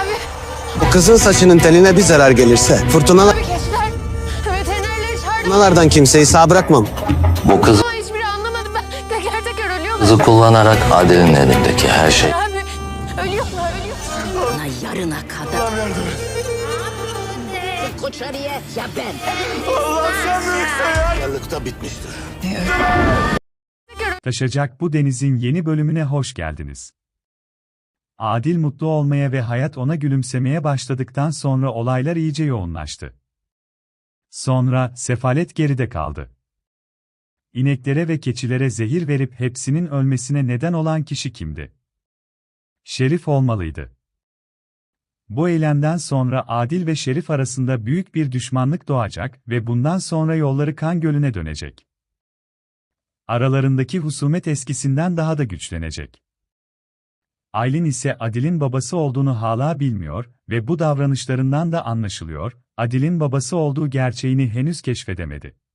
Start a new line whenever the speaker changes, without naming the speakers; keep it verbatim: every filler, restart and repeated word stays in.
Bu kızın saçının teline bir zarar gelirse fırtınalar...
Abi keçiler. Veterinerleri çağırdım.
Fırtınalardan kimseyi sağ bırakmam.
Bu kızı
Ama hiçbiri anlamadı. Ben teker teker ölüyorlar.
kullanarak Adil'in elindeki her şey
Abi ölüyorlar ölüyorlar.
Ona yarına kadar. Koçarıya ya ben.
Varlıkta bitmiştir.
Taşacak bu denizin yeni bölümüne hoş geldiniz. Adil mutlu olmaya ve hayat ona gülümsemeye başladıktan sonra olaylar iyice yoğunlaştı. Sonra sefalet geride kaldı. İneklere ve keçilere zehir verip hepsinin ölmesine neden olan kişi kimdi? Şerif olmalıydı. Bu eylemden sonra Adil ve Şerif arasında büyük bir düşmanlık doğacak ve bundan sonra yolları kan gölüne dönecek. Aralarındaki husumet eskisinden daha da güçlenecek. Aylin ise Adil'in babası olduğunu hala bilmiyor ve bu davranışlarından da anlaşılıyor, Adil'in babası olduğu gerçeğini henüz keşfedemedi.